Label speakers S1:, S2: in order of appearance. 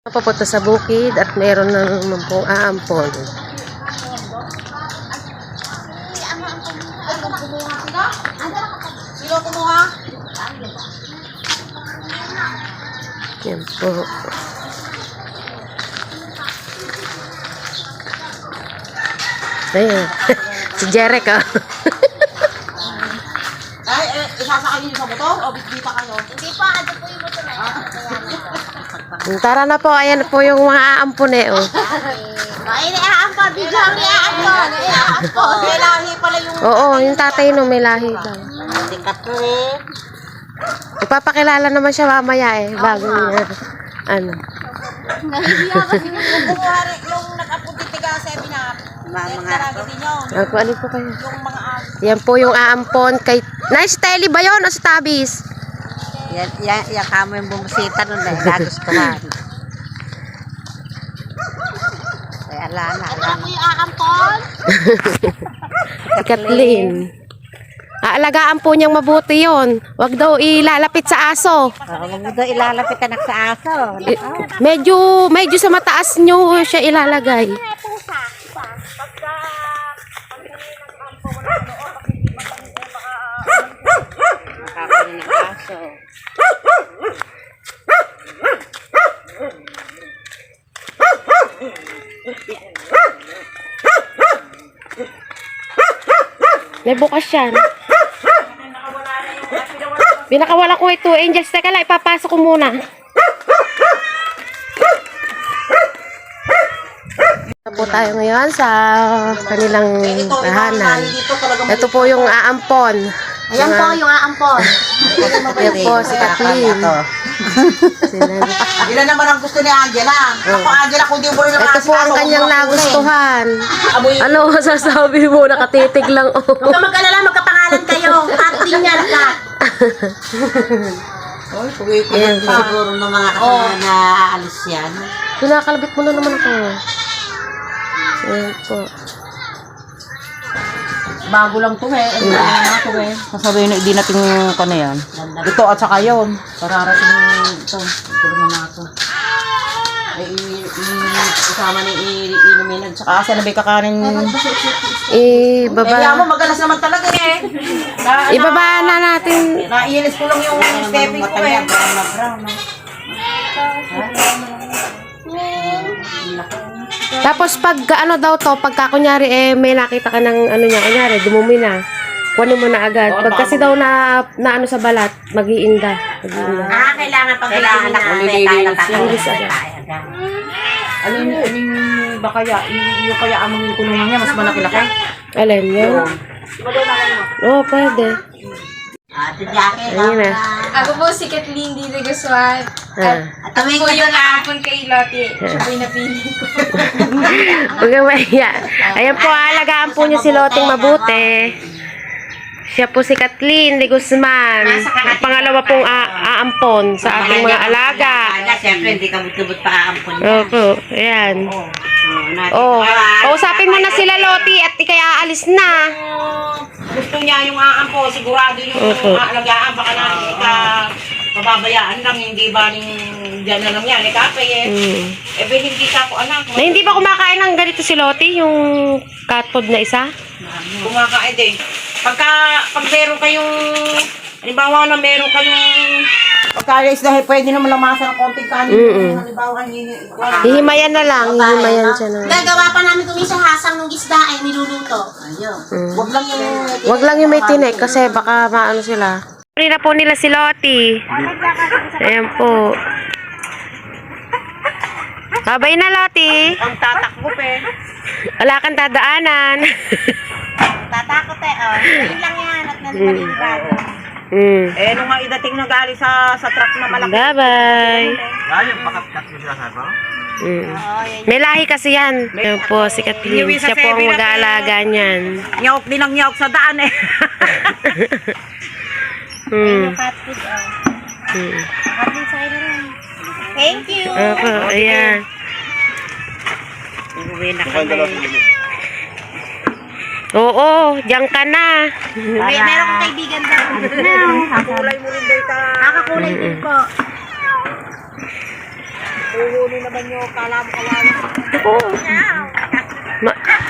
S1: Papunta sa bukid at meron na naman pong aampon.
S2: Sino kumuha?
S1: Yan po. Ayan. Si Jeric, ah.
S2: Ay, isasakay niyo sa motor o bitbita kayo?
S3: Hindi pa, ano po yung motor na yan.
S1: Tara na po, ayan po yung mga aampon eh. Oh.
S3: Ay, naiaampa, bigla ang naiaampa.
S2: May lahi pala yung...
S1: Oo, yung tatay no, may lahi daw.
S3: Sikat po eh.
S1: Ipapakilala naman siya mamaya eh, bago niya. Ano.
S3: Nahihiya kasi.
S2: Yung kumuha rin, yung nag-apunti tiga 7 up. Talaga din yun.
S1: Ako, ano po kayo?
S2: Yung mga
S1: Yan po yung aampon kay... Nice, Telly ba yun o si Tabis?
S3: Yan kamo yung bumusita nun eh. Nagustuhan. Ay, ala na. Ano mo yung aampon?
S1: Si Kathleen. Aalagaan po niyang mabuti yon. Wag daw ilalapit sa aso.
S3: Huwag mo daw ilalapit anak sa aso.
S1: Medyo sa mataas niyo siya ilalagay.
S3: Nakakain ng aso.
S1: May bukas yan. Binakawala ko ito. Angels, teka lang, ipapasok ko muna. Po tayo ngayon sa kanilang tahanan. Ito po yung aampon.
S3: Ayan po yung aampon.
S1: Ayan po si Kathleen.
S2: Ilan naman ang gusto ni Angela? Ako Angela, kung di mo rin ang
S1: Ito po ang kanyang nagustuhan. Ano masasabi mo? Nakatitig lang.
S3: Huwag ka mag-alala, magkapangalan kayo. Kathleen niya lahat.
S2: Oy, pugay-pugay pa. Siguro ng mga kasama na aalis yan.
S1: Pinakalabit mo na naman ako. Ayan po.
S2: Bago lang to eh. Ano na to eh. Sasabihin na, hindi natin ko na yan. Ito at saka yun. Pararating ito. Ito naman na ito. Isama ni inumin at saka asa na may kakanin.
S1: Ibaba.
S2: Kaya mo magalas naman talaga eh.
S1: Ibaba na natin.
S2: Naiinis ko lang yung stepping ko eh.
S1: Tapos pag ano daw to, pagka kunyari may nakita ka ng ano niya, kunyari dumumi na. Kunin mo na agad. Pag kasi daw na ano sa balat, mag-iinda.
S3: Kailangan pag kailangan na
S1: Linis agad.
S2: Alin ba kaya? Yung kaya amang kulungan niya, mas malaki-laki.
S1: Alin yun? Oo, pwede.
S3: Ate Jackie,
S1: Ayun na.
S4: Ako po si Kathleen D. Guswan.
S1: Ah.
S4: At po yung aapon kay Lottie. Siya po yung napili ko.
S1: Huwag kang mahiya. Ayan po, alagaan po niyo si Loting mabuti. Siya po si Kathleen de Guzman. Ang pangalawa pong aampon sa ating mga alaga.
S3: Siyempre, hindi kabut-kabut pa aampon niya.
S1: Opo, ayan. Oh, kausapin mo na sila Loti at ikay aalis na.
S2: Gusto niya yung aampo, sigurado yung aalagaan, baka na hindi ka mababayaan lang, hindi ba rin dyan na lang yan, kapay eh. Hindi ka ako anak.
S1: Na hindi ba kumakain ng ganito si Loti, yung cat food na isa?
S2: Kumakain din. Pag meron kayong, halimbawa na meron kayong, pagka-alis dahil pwede naman lamasan ng konting kanin. Halimbawa,
S1: Hihimayan na lang, hihimayan siya na.
S3: Gagawa pa namin kung isang hasang ng isda ay niluluto. Ayun.
S2: wag lang yung,
S1: Wag lang yung may tinik kasi baka maano sila. Pari na po nila si Loti. Ayan po. Babay na Loti.
S2: ang tatakbo eh.
S1: Wala kang dadaanan.
S3: Tatakot eh, oh. Yun lang yan at nalipad-ipad.
S2: Nung nga idating na galing sa truck na malaki.
S1: Bye-bye.
S2: Ayun, pakat-kat mo sila sa
S1: May lahi kasi yan. Ayan po si Kathleen. Siya po ang mag-aalaga niyan.
S2: Nyawk din ang nyawk sa daan eh.
S3: Cat food, oh. Cat food sa ilo rin. Thank you.
S1: Opo, ayan.
S3: Uwi na kami.
S1: Oo, diyan ka na.
S3: Meron kong kaibigan daw.
S2: Kulay mo rin data.
S3: Nakakulay din po.
S2: Napuhuli naman yung kala mo kawawa.
S1: Oo.